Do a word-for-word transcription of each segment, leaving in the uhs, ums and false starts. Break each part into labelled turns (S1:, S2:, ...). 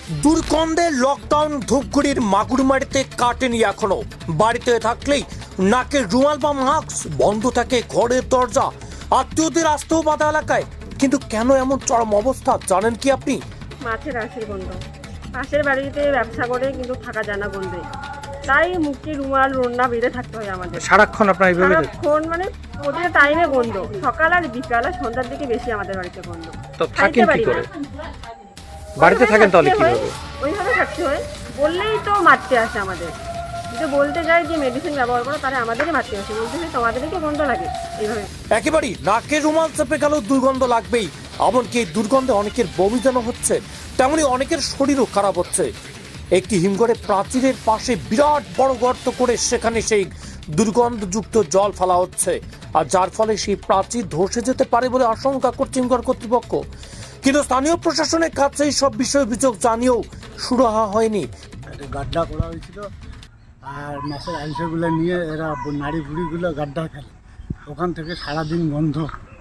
S1: দুর্গন্ধে lockdown ধূপগুড়ির মাগুরমারিতে কাটেনি এখনো। বাড়িতে থাকলেই নাকে রুমাল বা মাস্ক, বন্ধ থাকে ঘরের দরজা, আত্মীয়দের আসতেও বাধা এলাকায়। কিন্তু কেন এমন চরম অবস্থা জানেন কি আপনি?
S2: মাছের আঁশের গন্ধ। পাশের বাড়িতে ব্যবসা করে কিন্তু থাকা যায় না গন্ধে, তাই মুখে রুমাল রন্না বেঁধে থাকতে হয় আমাদের
S3: সারাক্ষণ আপনার এইভাবে
S2: সারাক্ষণ, মানে প্রতিটা টাইমে গন্ধ, সকাল আর বিকাল আর সন্ধ্যার দিকে বেশি আমাদের বাড়িতে গন্ধ।
S3: তো থাকেন কি করে? বাড়িতে থাকেন তাহলে কিভাবে?
S2: ওইভাবে থাকতে হয়। বললেই তো মারতে আসে আমাদের, যদি বলতে যাই যে মেডিসিন ব্যবহার করো তাহলে আমাদেরই মারতে আসে, বলতে চাই তোমাদেরকে গন্ধ লাগে এইভাবে।
S1: একেবারেই নাকে রুমাল চেপে গেল দুর্গন্ধ লাগবেই। এমনকি এই দুর্গন্ধে অনেকের বমি যেন হচ্ছে, তেমনি অনেকের শরীরও খারাপ হচ্ছে। একটি হিমঘরে প্রাচীরের পাশে বিরাট বড় গর্ত করে সেখানে সেই দুর্গন্ধযুক্ত জল ফেলা হচ্ছে, আর যার ফলে সেই প্রাচীর ধসে যেতে পারে বলে আশঙ্কা করছে হিমঘর কর্তৃপক্ষ। কিন্তু স্থানীয় প্রশাসনের কাছে এই সব বিষয় অভিযোগ জানিয়েও সুরাহা হয়নি।
S4: গাড্ডা করা হয়েছিল, আর মাছের আইসগুলো নিয়ে এরা নাড়ি ভুড়িগুলো গাড্ডা ফেলে, ওখান থেকে সারাদিন গন্ধ।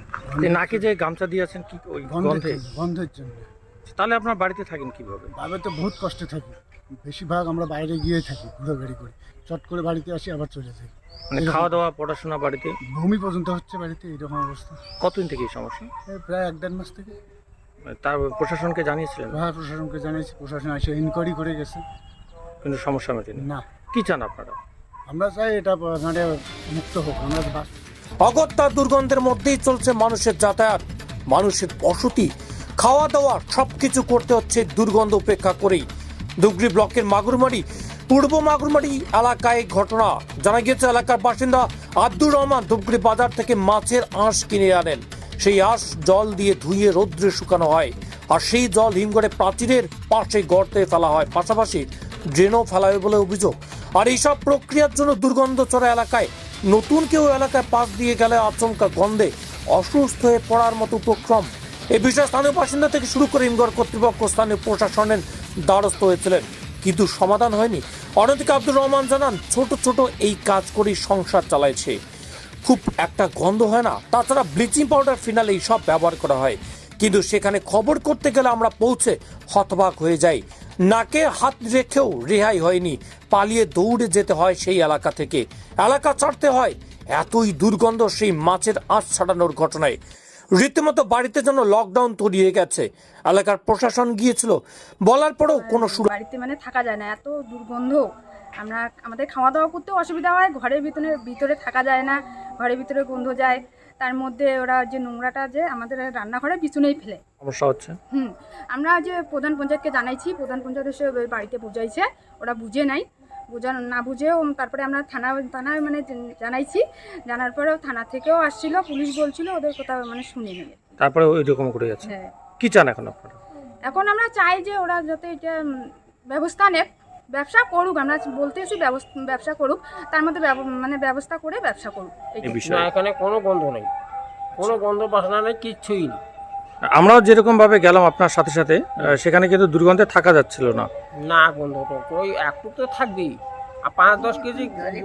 S3: নাকে যে গামছা দিয়েছেন কি ওই
S4: গন্ধের
S3: গন্ধে?
S4: জন্য- গন্ধের জন্য
S3: তাহলে আপনার বাড়িতে থাকেন কিভাবে?
S4: ভাবে তো বহুত কষ্টে থাকি, বেশিরভাগ আমরা বাইরে গিয়ে থাকি, ঘুরে গাড়ি করে চট করে বাড়িতে আসি আবার চলে যাই।
S3: মানে খাওয়া দাওয়া পড়াশোনা বাড়িতে?
S4: ভূমি পর্যন্ত হচ্ছে বাড়িতে, এইরকম অবস্থা।
S3: কতদিন থেকে এই সমস্যা?
S4: এই প্রায় এক দেড় মাস থেকে
S3: তার প্রশাসনকে জানিয়েছিলেন?
S4: প্রশাসন প্রশাসনকে জানিয়েছি, প্রশাসন এসে ইনকোয়ারি করে গেছে।
S3: কিন্তু সমস্যা মেটেনি।
S4: না,
S3: কি চান আপনারা?
S4: আমরা চাই এটা মানে মুক্ত হোক। আমরা বাস
S1: অগত্যা দুর্গন্ধের মধ্যেই চলছে মানুষের যাতায়াত, মানুষের বসতি, খাওয়া দাওয়া সবকিছু করতে হচ্ছে দুর্গন্ধ উপেক্ষা করেই। ধুবড়ি ব্লকের মাগুরমারি পূর্ব মাগুরমারি এলাকায় ঘটনা। জানা গিয়েছে এলাকার বাসিন্দা আব্দুর রহমান ধুবড়ি বাজার থেকে মাছের আঁশ কিনে আনেন। সেই আঁশ জল দিয়ে ধুয়ে রৌদ্রে শুকানো হয়, আর সেই জল হিমঘরে প্রাচীরের পাশে গর্তে ফেলা হয়, পাশাপাশি ড্রেনও ফেলা হয় বলে অভিযোগ। আর এইসব প্রক্রিয়ার জন্য দুর্গন্ধ চড়া এলাকায় নতুন কেউ এলাকায় পাশ দিয়ে গেলে আচমকা গন্ধে অসুস্থ হয়ে পড়ার মতো উপক্রম। এই বিষয়ে স্থানীয় বাসিন্দা থেকে শুরু করে হিমঘর কর্তৃপক্ষ স্থানীয় প্রশাসনের দ্বারস্থ হয়েছিলেন, কিন্তু সমাধান হয়নি। অন্যদিকে আব্দুর রহমান জানান, ছোট ছোট এই কাজ করেই সংসার চালাইছে, খুব একটা গন্ধ হয় না। তাছাড়া ব্লিচিং পাউডার ফিনাল এই সব ব্যবহার করা হয়, কিন্তু সেখানে খবর করতে গেলে আমরা পৌঁছে হতবাক হয়ে যাই। নাকে হাত রেখেও রেহাই হয়নি, পালিয়ে দৌড়ে যেতে হয় সেই এলাকা থেকে, এলাকা ছাড়তে হয়। এতই দুর্গন্ধ সেই মাছের আঁশ ছাড়ানোর ঘটনায় রীতিমতো বাড়িতে যেন লকডাউন তৈরি গেছে। এলাকার প্রশাসন গিয়েছিল, বলার পরেও কোনো সুরা
S5: বাড়িতে মানে থাকা যায় না, এত দুর্গন্ধ। আমরা আমাদের খাওয়া দাওয়া করতেও অসুবিধা হয়, ঘরের ভিতরে ভিতরে থাকা যায় না, ঘরের ভিতরে গন্ধ যায়। তার মধ্যে ওরা যে নোংরাটা যে আমাদের রান্নাঘরের পিছনেই ফেলে,
S3: সমস্যা হচ্ছে।
S5: হুম আমরা যে প্রধান পঞ্চায়েতকে জানাইছি, প্রধান পঞ্চায়েত এসে ওই বাড়িতে বুঝাইছে, ওরা বুঝে নাই, বুঝা না বুঝেও তারপরে আমরা থানা থানায় মানে জানাইছি। জানার পরেও থানা থেকেও আসছিল, পুলিশ বলছিল ওদের কথা মানে শুনে নিয়ে।
S3: তারপরে ওই রকম করে যাচ্ছে।
S5: হ্যাঁ,
S3: কি চান এখন আপনারা?
S5: এখন আমরা চাই যে ওরা যাতে এটা উম, ব্যবস্থা নেক, ব্যবসা করুক। আমরা বলতেছি ব্যবস্থা ব্যবসা করুক, তার মধ্যে ব্যব- মানে ব্যবস্থা করে ব্যবসা করুক।
S3: এই
S5: এইটাই।
S6: না,
S3: বিষয়ে
S6: এখানে কোনো গন্ধ নেই, কোনো গন্ধ বাসনা নেই, কিচ্ছুই নেই।
S3: আমরাও যেরকম ভাবে গেলাম আপনার সাথে সাথে, আহ, সেখানে কিন্তু দুর্গন্ধে থাকা যাচ্ছিল না।
S6: না, গন্ধ তো ওই একটু তো থাকবেই। আর পাঁচ দশ কেজি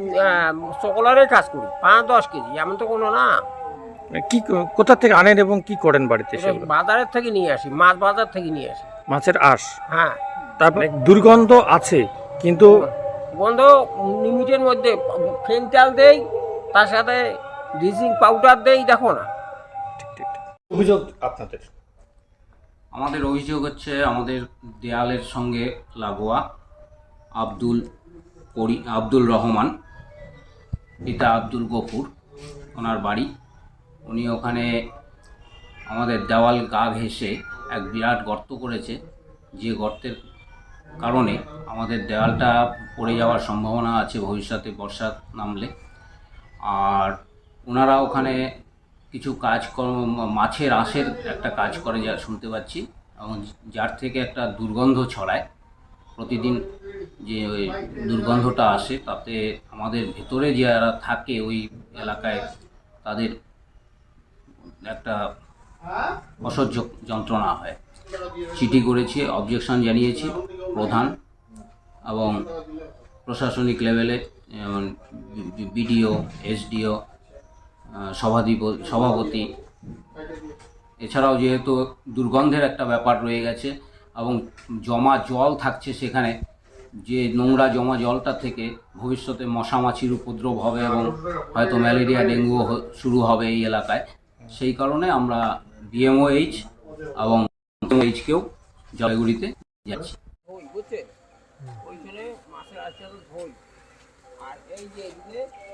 S6: সকলারে কাজ করি, পাঁচ দশ কেজি এমন তো কোনো না।
S3: কি কোথা থেকে আনেন এবং কি করেন বাড়িতে?
S6: এটা
S3: সেগুলো
S6: বাজারের থেকে নিয়ে আসি, মাছ বাজার থেকে নিয়ে আসি।
S3: মাছের আঁশ,
S6: হ্যাঁ,
S3: তারপরে দুর্গন্ধ আছে, কিন্তু
S6: গন্ধ লিমিটের মধ্যে ফেন্টাল দেই, তার সাথে ব্লিচিং পাউডার দেই, দেখো না।
S3: ঠিক ঠিক ঠিক। অভিযোগ আপনাদের?
S7: আমাদের অভিযোগ হচ্ছে আমাদের দেয়ালের সঙ্গে লাগোয়া আব্দুল করি আব্দুল রহমান, পিতা আব্দুল গফুর, ওনার বাড়ি। উনি ওখানে আমাদের দেওয়াল গা ঘেঁষে এক বিরাট গর্ত করেছে, যে গর্তের কারণে আমাদের দেওয়ালটা পড়ে যাওয়ার সম্ভাবনা আছে ভবিষ্যতে বর্ষা নামলে। আর ওনারা ওখানে কিছু কাজকর্ম, মাছের আঁশের একটা কাজ করে যা শুনতে পাচ্ছি, এবং যার থেকে একটা দুর্গন্ধ ছড়ায় প্রতিদিন। যে ওই দুর্গন্ধটা আসে তাতে আমাদের ভেতরে যারা থাকে ওই এলাকায় তাদের একটা অসহ্য যন্ত্রণা হয়। চিঠি করেছি, অবজেকশন জানিয়েছি প্রধান এবং প্রশাসনিক লেভেলে, যেমন বিডিও, এসডিও, সভাধিপতি সভাপতি। এছাড়াও যেহেতু দুর্গন্ধের একটা ব্যাপার রয়ে গেছে, এবং জমা জল থাকছে সেখানে, যে নোংরা জমা জলটা থেকে ভবিষ্যতে মশা মাছির উপদ্রব হবে এবং হয়তো ম্যালেরিয়া ডেঙ্গু শুরু হবে এই এলাকায়। সেই কারণে আমরা বিএমওএইচ এবং এইচকেও জলপাইগুড়িতে যাচ্ছি।
S6: ধই বুঝছেন, ওইখানে মাছের আছে ধই, আর এই যে এদিকে